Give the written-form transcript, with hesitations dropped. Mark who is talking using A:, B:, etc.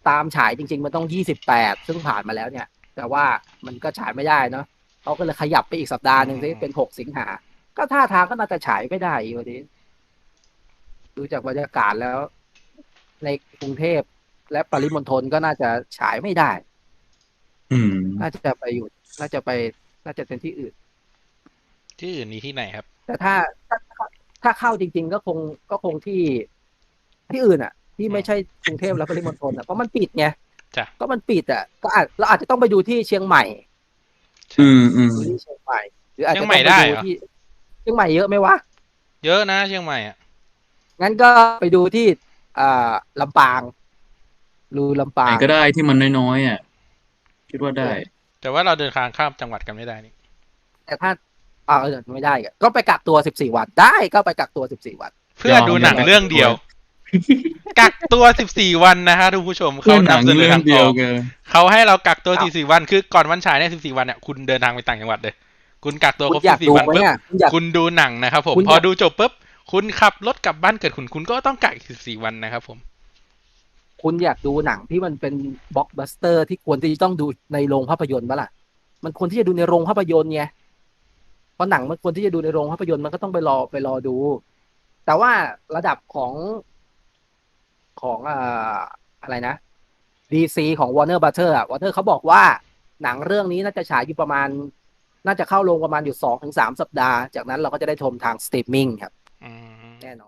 A: ตามฉายจริงๆมันต้อง28ซึ่งผ่านมาแล้วเนี่ยแต่ว่ามันก็ฉายไม่ได้เนาะเขาก็เลยขยับไปอีกสัปดาห์หนึ่งซิเป็น6 สิงหาก็ท่าทางก็น่าจะฉายไม่ได้อีกวันนี้ดูจากบรรยากาศแล้วในกรุงเทพและปริมณฑลก็น่าจะฉายไม่ได้
B: อืม
A: น่าจะไปอยู่น่าจะไปน่าจะเป็นที่อื่น
C: ที่อื่นมีที่ไหนครับ
A: แต่ถ้าถ้าเข้าจริงๆก็คงที่อื่นอ่ะที่
C: อืม
A: ไม่ใช่กรุงเทพและปริมณฑลอ่ะเพราะมันปิดไง
C: จ้ะ
A: ก็มันปิดอ่ะก็อาจเราอาจจะต้องไปดูที่เชียงใหม่
C: ใช่
A: ดูที่เชียงใหม่หรืออา
C: เชียงใหม่
A: จจะต้องไป
C: ได้เหรอ
A: ดูที่เชียงใหม่เยอะไหมวะ
C: เยอะนะเชียงใหม่อ่ะ
A: งั้นก็ไปดูที่อ่าลำปางรูลำ
B: ไหน
A: ปาง
B: ก็ได้ที่มันน้อยๆอ่ะคิดว่าได้
A: เออ
C: แต่ว่าเราเดินทางข้ามจังหวัดกันไม่ได้นี่
A: แต่ถ้าไม่ได้ก็ไปกักตัว14 วันได้ก็ไปกักตัว14 วัน
C: เพื่อดูหนัง
B: ยอม
C: เรื่องเดียวกักตัว14 วันนะฮะทุกผู้ชมเขา
B: เพื่อหนัง
C: นำเสนอ
B: เรื่อง
C: ทางออก
B: เดียวกัน
C: เขาให้เรากักตัว
A: อ้าว
C: 14 วันคือก่อนวันฉายเนี่ย14 วันเนี่ยคุณเดินทางไปต่างจังหวัดเลยคุณกักตัวครบ
A: คุณอยากดู
C: 14 วันปุ๊บ
A: ไหมอ่ะ
C: คุณดูหนังนะครับผม
A: คุณอยาก
C: พอดูจบปุ๊บคุณขับรถกลับบ้านเกิดคุณก็ต้องกักอีก14 วันนะครับผม
A: คุณอยากดูหนังที่มันเป็นบล็อกบัสเตอร์ที่ควรที่จะต้องดูในโรงภาพยนตร์ปะล่ะมันควรที่จะดูในโรงภาพยนตร์ไงเพราะหนังมันควรที่จะดูในโรงภาพยนตร์มันก็ต้องไปรอดูแต่ว่าระดับของอะไรนะ DC ของ Warner Brother อ่ะ Warner เขาบอกว่าหนังเรื่องนี้น่าจะฉายอยู่ประมาณน่าจะเข้าโรงประมาณอยู่2 ถึง 3 สัปดาห์จากนั้นเราก็จะได้ชมทางสตรีมมิ่งครับ
C: อืม
A: แน่นอน